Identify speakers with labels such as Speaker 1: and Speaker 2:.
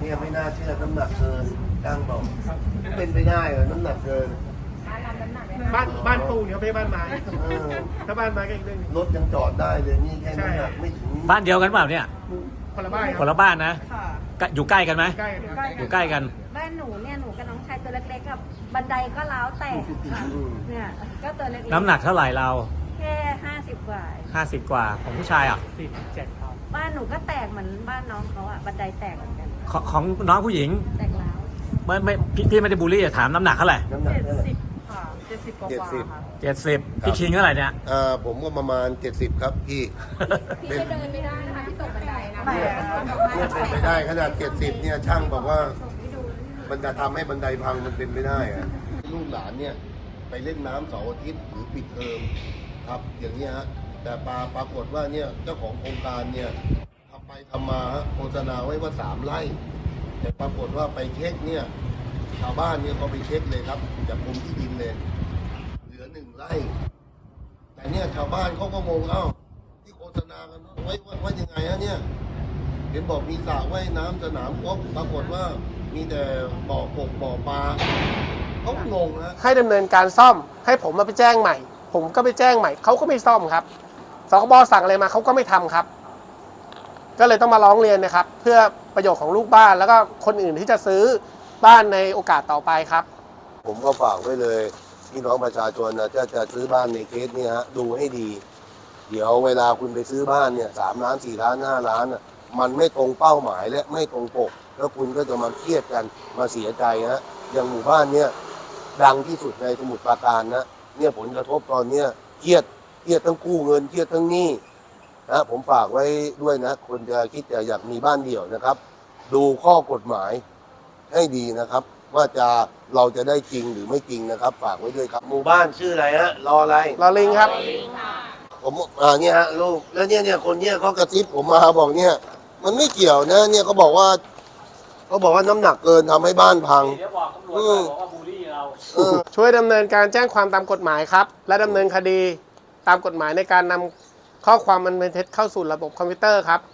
Speaker 1: เนี่ยไม่น่าเชื่อน้ำหนักเกินจ้างบอกเป็นไปได้เหรอน้ำหนักเกิน
Speaker 2: บ้านปูเนี่ยไม่ใช่บ้านไม้ถ้าบ้านไม้ก็อีกเรื่องนึง
Speaker 1: รถยังจอดได้เลยนี่แค่น้ำหนักไม่ถึง
Speaker 3: บ้านเดียวกันเปล่าเนี่ย
Speaker 2: คนละบ้าน
Speaker 3: คนละบ้านนะอยู่ใกล้กันไหมอยู่ใกล้กัน
Speaker 4: บ้านหนูเนี่ยหนูกับน้องชายตัวเล็กๆกับบันไดก็ร้าวแตกเนี่ยก็ตัวเล็กๆ
Speaker 3: น้ำหนักเท่าไหร่เรา
Speaker 4: แค่50 กว่า
Speaker 3: 50 กว่าของผู้ชายอ่ะ
Speaker 2: 47ครับ
Speaker 4: บ้านหนูก็แตกเหมือนบ้านน้องเขาอ่ะบันไดแตกเหมือนกัน
Speaker 3: ของน้องผู้หญิง
Speaker 4: แตกร้าว
Speaker 3: ไม่พี่ไม่ได้บูลลี่ถามน้ำหนักเท่าไหร่
Speaker 1: น้ำหนักเท่าไหร่
Speaker 4: ค่ะ70 กว่าค่ะ
Speaker 3: 70พี่คิงเท่าไหร่เนี่ย
Speaker 1: ผมก็ประมาณ70ครับพี่
Speaker 4: พี่เดินไม่ได้นะคะพี่ตกบันไดนะ
Speaker 1: เนี่ยเป็นไปได้ขนาด70เนี่ยช่างบอกว่ามันจะทำให้บันไดพังมันเป็นไม่ได้อะลูกหลานเนี่ยไปเล่นน้ำเสาร์อาทิตย์หรือปิดเทอมครับอย่างนี้ฮะแต่ปรากฏว่าเนี่ยเจ้าของโครงการเนี่ยทำไปทำมาโฆษณาไว้ว่า3 ไร่แต่ปรากฏว่าไปเช็คเนี่ยชาวบ้านเนี่ยเขาไปเช็คเลยครับจากกรมที่ดินเลยเหลือ1 ไร่แต่เนี่ยชาวบ้านเขาก็งงที่โฆษณากันไว้ว่ายังไงฮะเนี่ยเห็นบอกมีสระว่ายน้ำสนามกอล์ฟปรากฏว่ามีแต่บ่อกบบ่อปลาเขางงนะ
Speaker 2: ให้ดำเนินการซ่อมให้ผมมาไปแจ้งใหม่ผมก็ไปแจ้งใหม่เขาก็ไม่ซ่อมครับสคบสั่งอะไรมาเขาก็ไม่ทำครับก็เลยต้องมาร้องเรียนนะครับเพื่อประโยชน์ของลูกบ้านแล้วก็คนอื่นที่จะซื้อบ้านในโอกาสต่อไปครับ
Speaker 1: ผมก็ฝากไว้เลยพี่น้องประชาชนนะจะซื้อบ้านในเคสนี้ฮะดูให้ดีเดี๋ยวเวลาคุณไปซื้อบ้านเนี่ย3 ล้าน4 ล้าน5 ล้านมันไม่ตรงเป้าหมายและไม่ตรงปกแล้วคุณก็จะมาเครียดกันมาเสียใจฮะอย่างหมู่บ้านเนี่ยดังที่สุดในสมุทรปราการนะเนี่ยผลกระทบตอนเนี้ยเครียดทั้งกู้เงินเครียดทั้งหนี้นะผมฝากไว้ด้วยนะคนจะคิดจะอยากมีบ้านเดี่ยวนะครับ ดูข้อกฎหมายให้ดีนะครับว่าเราจะได้จริงหรือไม่จริงนะครับฝากไว้ด้วยครับหมู่บ้านชื่ออะไรฮะรออะไร
Speaker 2: รอลิงครับ
Speaker 1: ผมเนี่ยฮะลูกแล้วเนี่ยคนเนี่ยเขากระซิบผมมาบอกเนี่ยมันไม่เกี่ยวนะเนี่ยเขาบอกว่าน้ำหนักเกินทำให้บ้านพัง
Speaker 3: เดี๋ยวบอกตำรวจบอกว่าบูลลี่เรา
Speaker 2: ช่วยดำเนินการแจ้งความตามกฎหมายครับและดำเนินคดีตามกฎหมายในการนำข้อความอันเป็นเท็จเข้าสู่ระบบคอมพิวเตอร์ครับ